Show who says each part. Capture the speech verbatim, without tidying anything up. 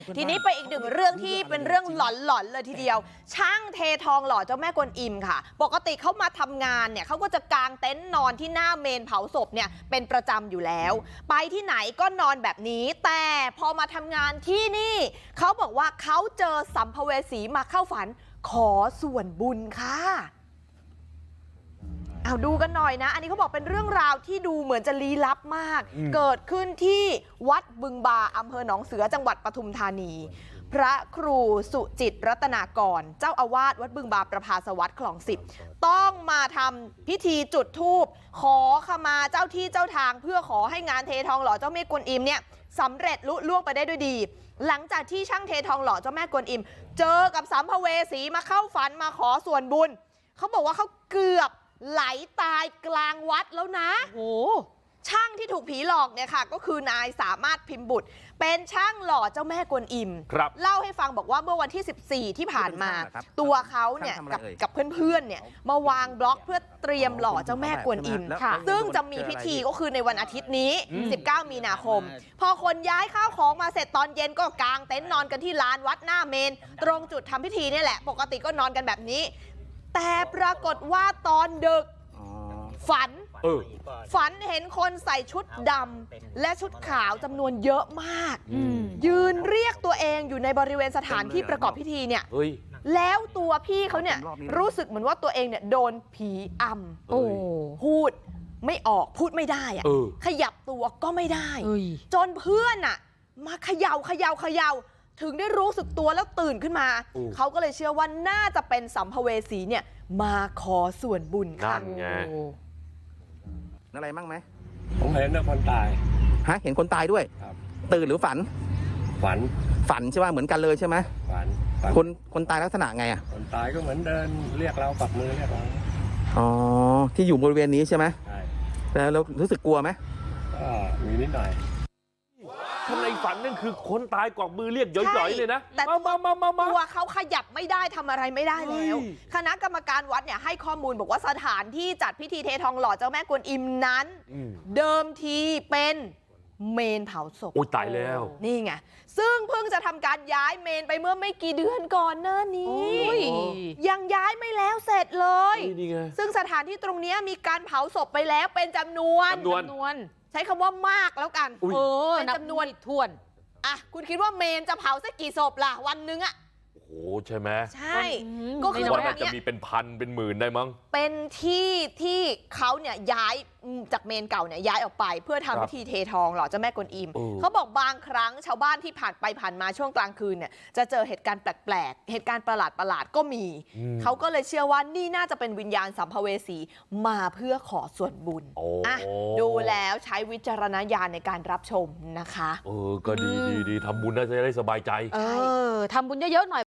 Speaker 1: ทีนี้ไปอีกหนึ่งเรื่องที่เป็นเรื่องหลอนๆเลยทีเดียวช่างเททองหล่อเจ้าแม่กวนอิมค่ะปกติเขามาทำงานเนี่ยเขาก็จะกางเต็นท์นอนที่หน้าเมนเผาศพเนี่ยเป็นประจำอยู่แล้วไปที่ไหนก็นอนแบบนี้แต่พอมาทำงานที่นี่เขาบอกว่าเขาเจอสัมภเวสีมาเข้าฝันขอส่วนบุญค่ะเอาดูกันหน่อยนะอันนี้เขาบอกเป็นเรื่องราวที่ดูเหมือนจะลี้ลับมากเกิดขึ้นที่วัดบึงบาอำเภอหนองเสือจังหวัดปทุมธานีพระครูสุจิตรัตนากรเจ้าอาวาสวัดบึงบาประภาสวัสดิ์คลองสิบต้องมาทำพิธีจุดธูปขอขมาเจ้าที่เจ้าทางเพื่อขอให้งานเททองหล่อเจ้าแม่กวนอิมเนี่ยสำเร็จลุล่วงไปได้ด้วยดีหลังจากที่ช่างเททองหล่อเจ้าแม่กวนอิมเจอกับสัมภเวสีมาเข้าฝันมาขอส่วนบุญเขาบอกว่าเขาเกือบไหลตายกลางวัดแล้วนะโอ้ช่างที่ถูกผีหลอกเนี่ยค่ะก็คือนายสามารถพิมพ์บุตรเป็นช่างหล่อเจ้าแม่กวนอิมเล่าให้ฟังบอกว่าเมื่อวันที่สิบสี่ที่ผ่านมาตัวเขาเนี่ยกับกับเพื่อนๆเนี่ยมาวางบล็อกเพื่อเตรียมหล่อเจ้าแม่กวนอิมซึ่งจะมีพิธีก็คือในวันอาทิตย์นี้สิบเก้ามีนาคมพอคนย้ายข้าวของมาเสร็จตอนเย็นก็กางเต็นท์นอนกันที่ลานวัดหน้าเมนตรงจุดทำพิธีนี่แหละปกติก็นอนกันแบบนี้แต่ปรากฏว่าตอนดึกฝันฝันเห็นคนใส่ชุดดำและชุดขาวจำนวนเยอะมากยืนเรียกตัวเองอยู่ในบริเวณสถานที่ประกอบพิธีเนี่ยแล้วตัวพี่เขาเนี่ยรู้สึกเหมือนว่าตัวเองเนี่ยโดนผีอำโอ้พูดไม่ออกพูดไม่ได้อะขยับตัวก็ไม่ได้จนเพื่อนอะมาเขย่าเขย่าเขย่าถึงได้รู้สึกตัวแล้วตื่นขึ้นมาเขาก็เลยเชื่อว่าน่าจะเป็นสัมภเวสีเนี่ยมาขอส่วนบุญค่ะ
Speaker 2: อะไรมั่งไหม
Speaker 3: ผมเห็นนะคนตาย
Speaker 2: ฮะเห็นคนตายด้วยตื่นหรือฝัน
Speaker 3: ฝัน
Speaker 2: ฝันใช่ไหมเหมือนกันเลยใช่ไหม
Speaker 3: ฝัน
Speaker 2: คนคนตายลักษณะไงอ่ะ
Speaker 3: คนตายก็เหมือนเดินเรียกเราปักมือเรียกเรา
Speaker 2: อ๋อที่อยู่บริเวณนี้ใช่ไหมใช่แล้วเรารู้สึกกลัวไหม
Speaker 3: ก็มีนิดหน่อย
Speaker 4: ข้างในฝันนั่นคือคนตายกวักมือเรียกย่อยๆเลยนะ
Speaker 1: แต่มามามามาตัวเขาขยับไม่ได้ทำอะไรไม่ได้แล้วคณะกรรมการวัดเนี่ยให้ข้อมูลบอกว่าสถานที่จัดพิธีเททองหล่อเจ้าแม่กวนอิมนั้นเดิมทีเป็นเมนเผาศพ
Speaker 4: โอ้ตายแล้ว
Speaker 1: นี่ไงซึ่งเพิ่งจะทำการย้ายเมนไปเมื่อไม่กี่เดือนก่อนหน้านี้ยังย้ายไม่แล้วเสร็จเลยซึ่งสถานที่ตรงนี้มีการเผาศพไปแล้วเป็นจำนวน
Speaker 4: จำนวน
Speaker 1: ใช้คำว่ามากแล้วกัน
Speaker 4: เอ
Speaker 1: อเป็นจำนวนถ้วนอ่ะคุณคิดว่าเมนจะเผาสักกี่ศพล่ะวันนึงอะ
Speaker 4: โอ้ใช่ไหม
Speaker 1: ใช่ก็คือ
Speaker 4: วันนั้นจะมีเป็นพันเป็นหมื่นได้มั้ง
Speaker 1: เป็นที่ที่เขาเนี่ยย้ายจากเมนเก่าเนี่ยย้ายออกไปเพื่อทำพิธีเททองหล่อเจ้าแม่กวนอิมเขาบอกบางครั้งชาวบ้านที่ผ่านไปผ่านมาช่วงกลางคืนเนี่ยจะเจอเหตุการณ์แปลกๆเหตุการณ์ประหลาดประหลาดก็มีเขาก็เลยเชื่อว่านี่น่าจะเป็นวิญญาณสัมภเวสีมาเพื่อขอส่วนบุญอ่ะดูแล้วใช้วิจารณญาณในการรับชมนะคะ
Speaker 4: เออก็ดีดีดีทำบุญน่าจะได้สบายใจ
Speaker 1: เออทำบุญเยอะๆหน่อย